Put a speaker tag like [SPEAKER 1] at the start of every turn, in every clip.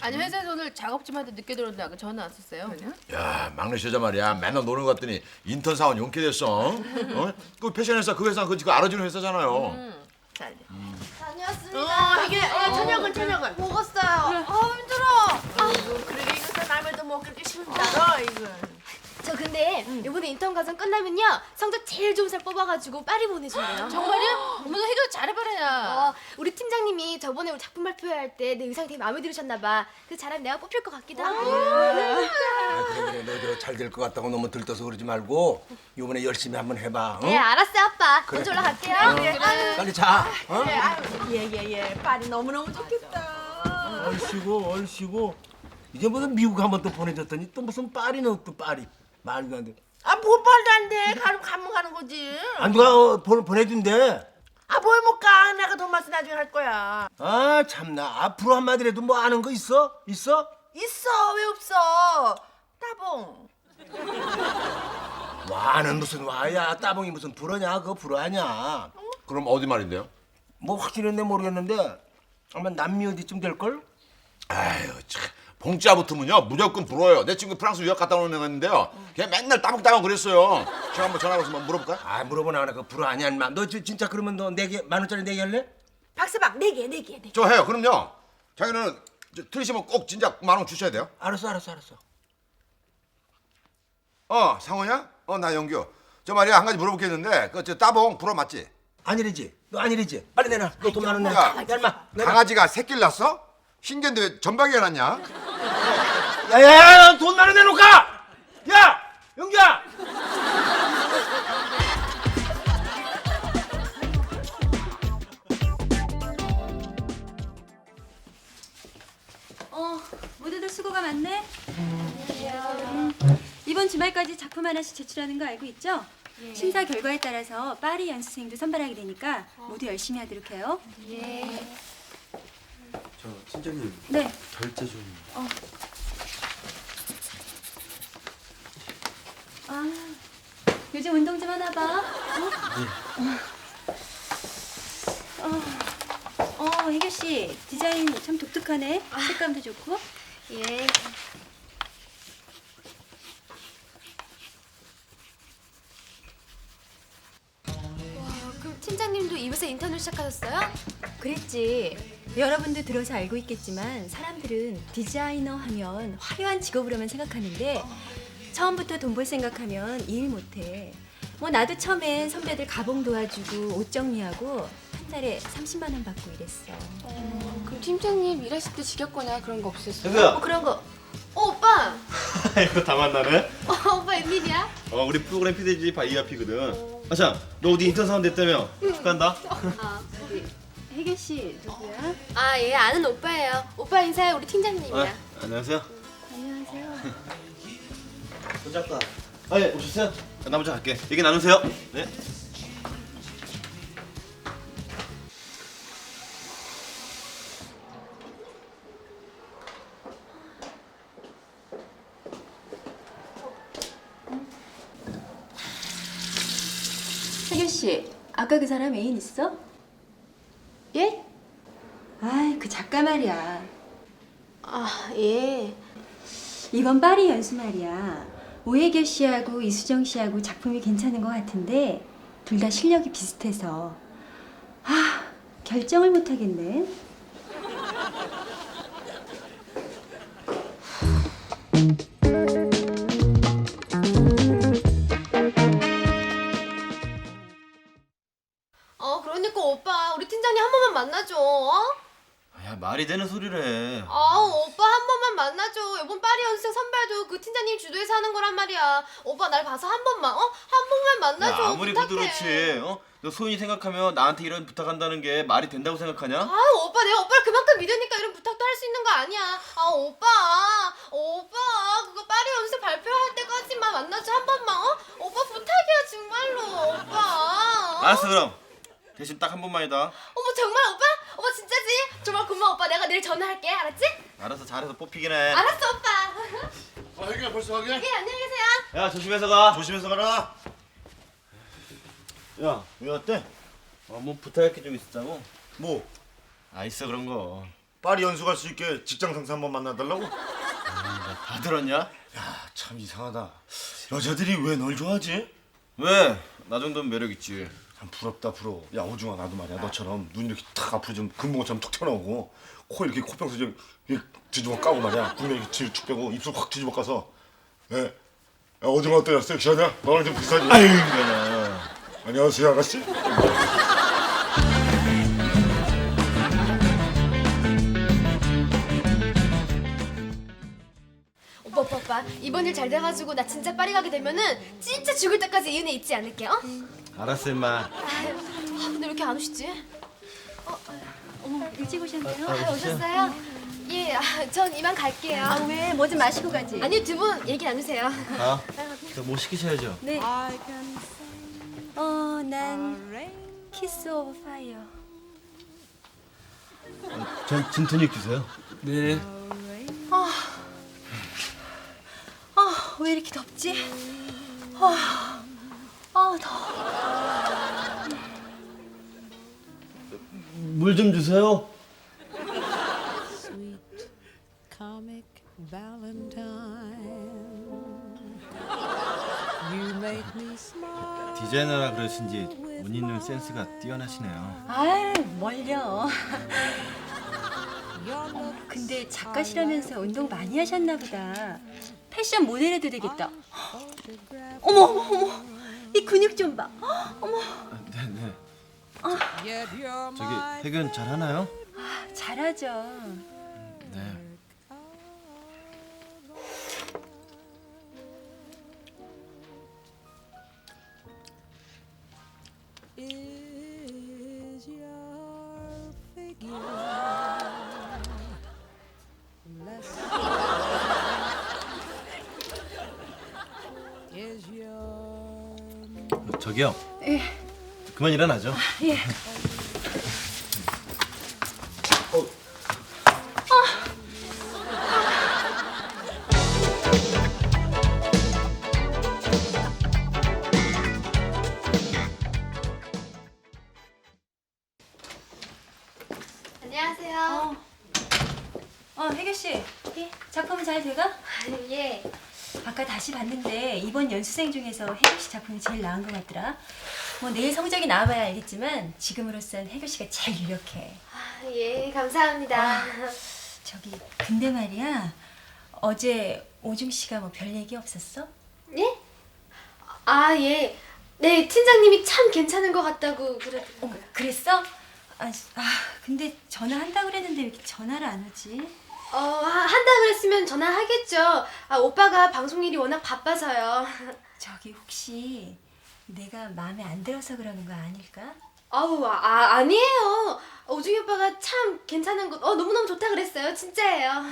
[SPEAKER 1] 아니 회사에서 오늘 작업팀한테 늦게 들어온다. 그 전화 왔었어요.
[SPEAKER 2] 야 막내 여자 말이야 맨날 노는 것 같더니 인턴 사원 용케 됐어. 어? 그 패션 회사 그 회사 그거 알아주는 회사잖아요.
[SPEAKER 1] 잘 돼.
[SPEAKER 3] 다녀왔습니다.
[SPEAKER 1] 이게 저녁은
[SPEAKER 3] 먹었어요. 힘들어.
[SPEAKER 1] 아이고 그러게 이거 남에도 뭐 그렇게 힘들어 이거.
[SPEAKER 3] 저 근데 이번에 인턴 과정 끝나면요 성적 제일 좋은 살 뽑아가지고 파리 보내준대요.
[SPEAKER 1] 정말요? 어머 너 해결 잘해봐라.
[SPEAKER 3] 우리 팀장님이 저번에 우리 작품 발표할 때 내 의상 되게 마음에 들으셨나 봐. 그래서 잘하면 내가 뽑힐 것 같기도 하고.
[SPEAKER 4] 그래 너 잘 될 것 같다고 너무 들떠서 그러지 말고 이번에 열심히 한번 해봐. 응?
[SPEAKER 3] 네 알았어요 아빠. 먼저 올라갈게요.
[SPEAKER 4] 빨리 자. 어?
[SPEAKER 1] 예예예. 파리 너무너무 좋겠다.
[SPEAKER 4] 얼씨구. 이제 무슨 미국 한번 또 보내줬더니 또 무슨 파리는 또 파리. 말도 안 돼.
[SPEAKER 1] 뭐 말도 안 돼. 가면 가는 거지.
[SPEAKER 4] 아 누가 보내준대.
[SPEAKER 1] 뭘 못 가. 내가 돈 맛은 나중에 할 거야.
[SPEAKER 4] 아 참나 앞으로 한마디라도 뭐 아는 거 있어? 있어?
[SPEAKER 1] 있어 왜 없어? 따봉.
[SPEAKER 4] 와는 무슨 와야 따봉이 무슨 불어냐 그거 불어 아냐.
[SPEAKER 2] 그럼 어디 말인데요?
[SPEAKER 4] 뭐 확실했네 모르겠는데 아마 남미 어디쯤 될걸?
[SPEAKER 2] 아유 참 봉자 붙으면요 무조건 불어요. 내 친구 프랑스 유학 갔다 오는 애가 있는데요. 걔 맨날 따봉따봉 그랬어요. 제가 한번 전화 걸어서 한번 물어볼까요?
[SPEAKER 4] 아 물어보나 하나 그 불어 아냐 인마. 너 진짜 그러면 너 4개 10,000원짜리 4개 할래?
[SPEAKER 1] 박스박 4개.
[SPEAKER 2] 저 해요. 그럼요. 자기는 틀리시면 꼭 진짜 10,000원 주셔야 돼요.
[SPEAKER 4] 알았어.
[SPEAKER 2] 상호냐? 나 영규. 저 말이야 한 가지 물어볼 게 있는데 그 저 따봉 불어 맞지?
[SPEAKER 4] 아니래지. 너 아니래지. 빨리 내놔. 너 돈 많은 내.
[SPEAKER 2] 야,
[SPEAKER 4] 인마.
[SPEAKER 2] 강아지가 새끼를 낳았어? 신기한데 왜 전박이가 났냐?
[SPEAKER 4] 야야야 돈 많은 내놓을까? 야 영규야.
[SPEAKER 5] 모두들 수고가 많네. 이번 주말까지 작품 하나씩 제출하는 거 알고 있죠? 심사 결과에 따라서 파리 연수생도 선발하게 되니까 모두 열심히 하도록 해요.
[SPEAKER 6] 저 팀장님
[SPEAKER 5] 네.
[SPEAKER 6] 결제 좀.
[SPEAKER 5] 요즘 운동 좀 하나 봐. 혜교 씨 디자인 참 독특하네. 색감도 좋고.
[SPEAKER 3] 예. 그럼 팀장님도 이 회사 인턴을 시작하셨어요?
[SPEAKER 5] 그랬지. 여러분도 들어서 알고 있겠지만 사람들은 디자이너 하면 화려한 직업으로만 생각하는데 처음부터 돈 벌 생각하면 일 못해. 뭐 나도 처음엔 선배들 가봉 도와주고 옷 정리하고 한 달에 30만 원 받고 이랬어.
[SPEAKER 3] 그럼 팀장님 일하실 때 지겹거나 그런 거 없으세요?
[SPEAKER 6] 혜그야.
[SPEAKER 3] 그런 거. 오빠.
[SPEAKER 6] 이거 다 만나네.
[SPEAKER 3] 오빠 웬일이야?
[SPEAKER 6] 우리 프로그램 PD지 바이아피거든. 아참, 너 어디 인턴 사원 됐다며? 축하한다.
[SPEAKER 5] 혜교 씨 누구야?
[SPEAKER 3] 예 아는 오빠예요. 오빠 인사해 우리 팀장님이야.
[SPEAKER 6] 안녕하세요.
[SPEAKER 5] 안녕하세요.
[SPEAKER 6] 손잡다. 예, 오셨어요? 나 먼저 갈게. 얘기 나누세요. 네.
[SPEAKER 5] 혜교 씨 아까 그 사람 애인 있어?
[SPEAKER 3] 예?
[SPEAKER 5] 아이 그 작가 말이야.
[SPEAKER 3] 예.
[SPEAKER 5] 이번 파리 연수 말이야. 오혜교 씨하고 이수정 씨하고 작품이 괜찮은 것 같은데 둘 다 실력이 비슷해서 결정을 못 하겠네.
[SPEAKER 3] 그러니까 오빠 우리 팀장님 한 번만 만나줘.
[SPEAKER 6] 야, 말이 되는 소리를 해.
[SPEAKER 3] 오빠 한 번만 만나줘. 이번 파리 연습생 선발도 그 팀장님 주도해서 하는 거란 말이야. 오빠 날 봐서 한 번만 한 번만 만나줘.
[SPEAKER 6] 야, 아무리
[SPEAKER 3] 부탁해.
[SPEAKER 6] 부드럽지. 너 소연이 생각하면 나한테 이런 부탁한다는 게 말이 된다고 생각하냐?
[SPEAKER 3] 오빠 내가 오빠를 그만큼 믿으니까 이런 부탁도 할 수 있는 거 아니야. 오빠 그거 파리 연습생 발표할 때까지만 만나줘 한 번만. 오빠 부탁이야 정말로 오빠.
[SPEAKER 6] 알았어, 그럼. 대신 딱 한 번만이다.
[SPEAKER 3] 어머 정말 오빠? 오빠 진짜지? 정말 고마워 오빠. 내가 내일 전화할게. 알았지?
[SPEAKER 6] 알아서 잘해서 뽑히긴 해.
[SPEAKER 3] 알았어 오빠.
[SPEAKER 2] 혜규야 벌써 가게?
[SPEAKER 3] 예 안녕히 계세요.
[SPEAKER 6] 야, 조심해서 가.
[SPEAKER 4] 조심해서 가라.
[SPEAKER 6] 야, 왜 왔대? 뭐 부탁할 게 좀 있었다고? 뭐? 있어 그런 거.
[SPEAKER 7] 파리 연수 갈 수 있게 직장 상사 한번 만나달라고?
[SPEAKER 6] 다 들었냐?
[SPEAKER 7] 야, 참 이상하다. 여자들이 왜 널 좋아하지?
[SPEAKER 6] 왜? 나 정도면 매력 있지.
[SPEAKER 7] 참 부럽다 부러워. 야 오중아 나도 말이야 너처럼 눈 이렇게 탁 앞으로 좀 금붕어처럼 툭 튀어나오고 코 이렇게 코평수 좀 이렇게 뒤집어 까고 말이야 국내 이렇게 뒤로 축 빼고 입술 확 뒤집어 까서 예. 야 오중아 어때요? 섹시하냐? 너랑 좀 비슷하지?
[SPEAKER 6] 아유 이거는.
[SPEAKER 7] 안녕하세요 아가씨.
[SPEAKER 3] 오빠 이번 일 잘 돼가지고 나 진짜 파리 가게 되면은 진짜 죽을 때까지 이 은혜 잊지 않을게. 어?
[SPEAKER 6] 알았어 임마.
[SPEAKER 3] 근데 왜 이렇게 안 오시지?
[SPEAKER 5] 어머, 일찍 오셨네요.
[SPEAKER 3] 오셨어요? 예, 전 이만 갈게요.
[SPEAKER 5] 아, 왜? 뭐 좀 마시고 가지.
[SPEAKER 3] 아니 두 분 얘기 나누세요.
[SPEAKER 6] 아, 뭐 시키셔야죠.
[SPEAKER 5] 네. 난 키스 오브 파이어.
[SPEAKER 6] 전 진토닉 주세요. 네.
[SPEAKER 5] 왜 이렇게 덥지? 더워.
[SPEAKER 6] 물 좀 주세요.
[SPEAKER 8] Comic Valentine. You make me smile.
[SPEAKER 6] 디자이너라 그러신지 옷 입는 센스가 뛰어나시네요.
[SPEAKER 5] 아유, 뭘요. 근데 작가시라면서 운동 많이 하셨나 보다. 패션 모델 해도 되겠다. 어머. 이 근육 좀 봐. 어머.
[SPEAKER 6] 네네.
[SPEAKER 8] Yet you're
[SPEAKER 6] 저기
[SPEAKER 8] my
[SPEAKER 6] 해견 잘 하나요?
[SPEAKER 5] 잘하죠.
[SPEAKER 6] 네.
[SPEAKER 8] is your figure. Less is your
[SPEAKER 6] 저기요.
[SPEAKER 5] 예.
[SPEAKER 6] 그만 일어나죠.
[SPEAKER 5] 예.
[SPEAKER 3] 안녕하세요.
[SPEAKER 5] 혜교 씨. 예? 작품은 잘 돼가?
[SPEAKER 3] 예.
[SPEAKER 5] 아까 다시 봤는데 이번 연수생 중에서 혜교 씨 작품이 제일 나은 것 같더라. 뭐 내일 성적이 나와봐야 알겠지만 지금으로선 혜교 씨가 제일 유력해.
[SPEAKER 3] 예, 감사합니다.
[SPEAKER 5] 저기 근데 말이야 어제 오중 씨가 뭐 별 얘기 없었어?
[SPEAKER 3] 예? 예. 네, 팀장님이 참 괜찮은 것 같다고 그러더라고요.
[SPEAKER 5] 그랬어? 근데 전화한다 그랬는데 왜 이렇게 전화를 안 하지?
[SPEAKER 3] 한다 그랬으면 전화하겠죠. 오빠가 방송 일이 워낙 바빠서요.
[SPEAKER 5] 저기 혹시 내가 마음에 안 들어서 그러는 거 아닐까?
[SPEAKER 3] 아니에요. 오중이 오빠가 참 괜찮은 거, 너무너무 좋다 그랬어요. 진짜예요.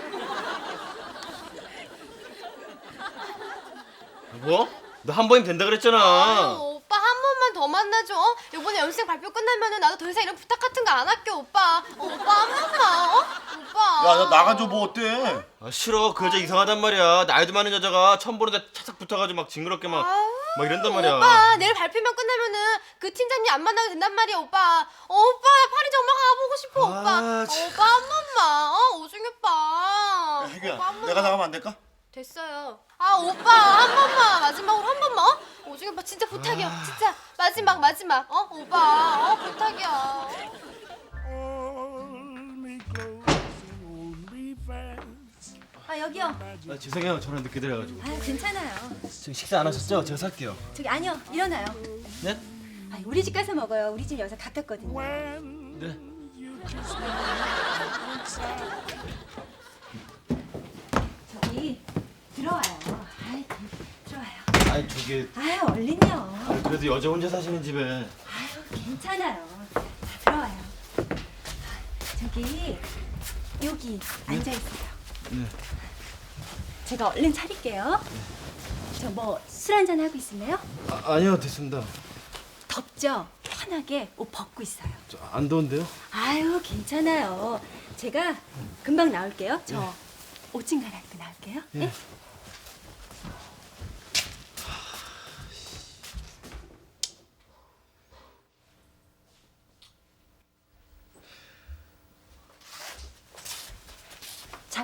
[SPEAKER 6] 뭐? 너 한 번이면 된다 그랬잖아.
[SPEAKER 3] 오빠 한 번만 더 만나줘. 이번에 연습생 발표 끝나면은 나도 더 이상 이런 부탁 같은 거 안 할게, 오빠. 오빠 한 번만, 오빠.
[SPEAKER 7] 야 나 나가줘 뭐 어때?
[SPEAKER 6] 아, 싫어. 그 여자 이상하단 말이야. 나이도 많은 여자가 처음 보는데 차삭 붙어가지고 막 징그럽게 막 이런단 말이야.
[SPEAKER 3] 오빠 내일 발표만 끝나면은 그 팀장님 안 만나도 된단 말이야, 오빠. 오빠 나 파리 정말 가보고 싶어, 오빠.
[SPEAKER 6] 참.
[SPEAKER 3] 오빠 한 번만, 오중이 오빠.
[SPEAKER 7] 야, 혜규야
[SPEAKER 3] 오빠 한 번만.
[SPEAKER 7] 내가 나가면 안 될까?
[SPEAKER 3] 됐어요. 오빠 한 번만, 마지막으로 한 번만. 오중이 오빠 진짜 부탁이야. 진짜 마지막. 오빠 부탁이야.
[SPEAKER 5] 여기요.
[SPEAKER 6] 죄송해요. 전화 늦게 드려가지고.
[SPEAKER 5] 괜찮아요.
[SPEAKER 6] 지금 식사 안 하셨죠? 제가 살게요.
[SPEAKER 5] 저기 아니요, 일어나요.
[SPEAKER 6] 네?
[SPEAKER 5] 우리 집 가서 먹어요. 우리 집 여기서 가깝거든요.
[SPEAKER 6] 네.
[SPEAKER 5] 저기 들어와요. 들어와요.
[SPEAKER 6] 아니 저기
[SPEAKER 5] 얼른요.
[SPEAKER 6] 그래도 여자 혼자 사시는 집에.
[SPEAKER 5] 괜찮아요. 들어와요. 저기 여기 앉아 있어요.
[SPEAKER 6] 네.
[SPEAKER 5] 제가 얼른 차릴게요. 저 뭐 술 한잔 하고 있을래요?
[SPEAKER 6] 아니요 됐습니다.
[SPEAKER 5] 덥죠? 편하게 옷 벗고 있어요.
[SPEAKER 6] 안 더운데요?
[SPEAKER 5] 괜찮아요. 제가 금방 나올게요. 저 옷 좀 갈아입고 나올게요.
[SPEAKER 6] 예.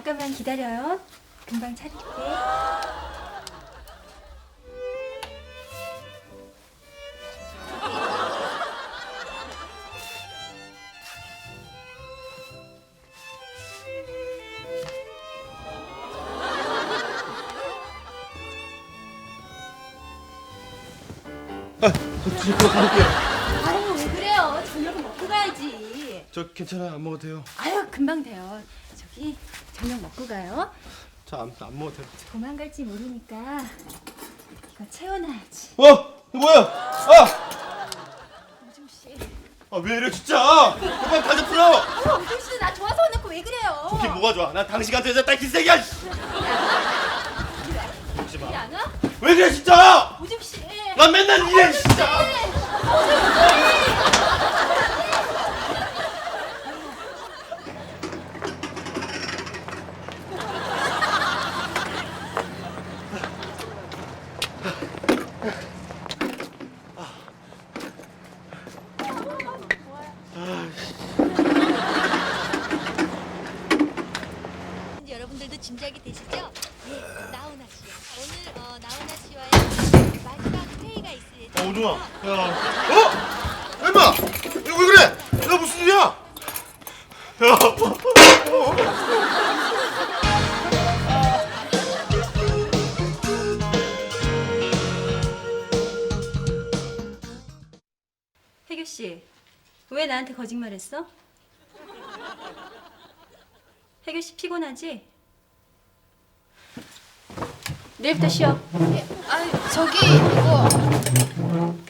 [SPEAKER 5] 잠깐만 기다려요. 금방 차릴게. 아유 왜 그래요? 저녁은 먹고 가야지.
[SPEAKER 6] 저 괜찮아요. 안 먹어도 돼요.
[SPEAKER 5] 아유 금방 돼요. 저기 저녁 먹고 가요.
[SPEAKER 6] 저 안 먹어도 돼요.
[SPEAKER 5] 도망갈지 모르니까 이거 채워놔야지.
[SPEAKER 6] 뭐야?
[SPEAKER 5] 오줌 씨.
[SPEAKER 6] 왜 이래 진짜? 그만 가져 풀어.
[SPEAKER 5] 오줌 씨도 나 좋아서 해놓고 왜 그래요?
[SPEAKER 6] 이게 뭐가 좋아? 난 당신 같은 여자 딱 기색이야.
[SPEAKER 5] 우리 안 와?
[SPEAKER 6] 왜 그래 진짜?
[SPEAKER 5] 오줌 씨.
[SPEAKER 6] 난 맨날 이래 진짜.
[SPEAKER 9] 이제 여러분들도 짐작이 되시죠? 예, 나훈아 씨요. 오늘 나훈아 씨와의 마지막 회의가 있을 예정입니다.
[SPEAKER 6] 오중아. 야. 엠마. 왜 그래? 야 무슨 일이야? 야.
[SPEAKER 5] 혜교 씨, 왜 나한테 거짓말했어? 혜교 씨 피곤하지? 내일부터 쉬어.
[SPEAKER 3] 아유 저기 이거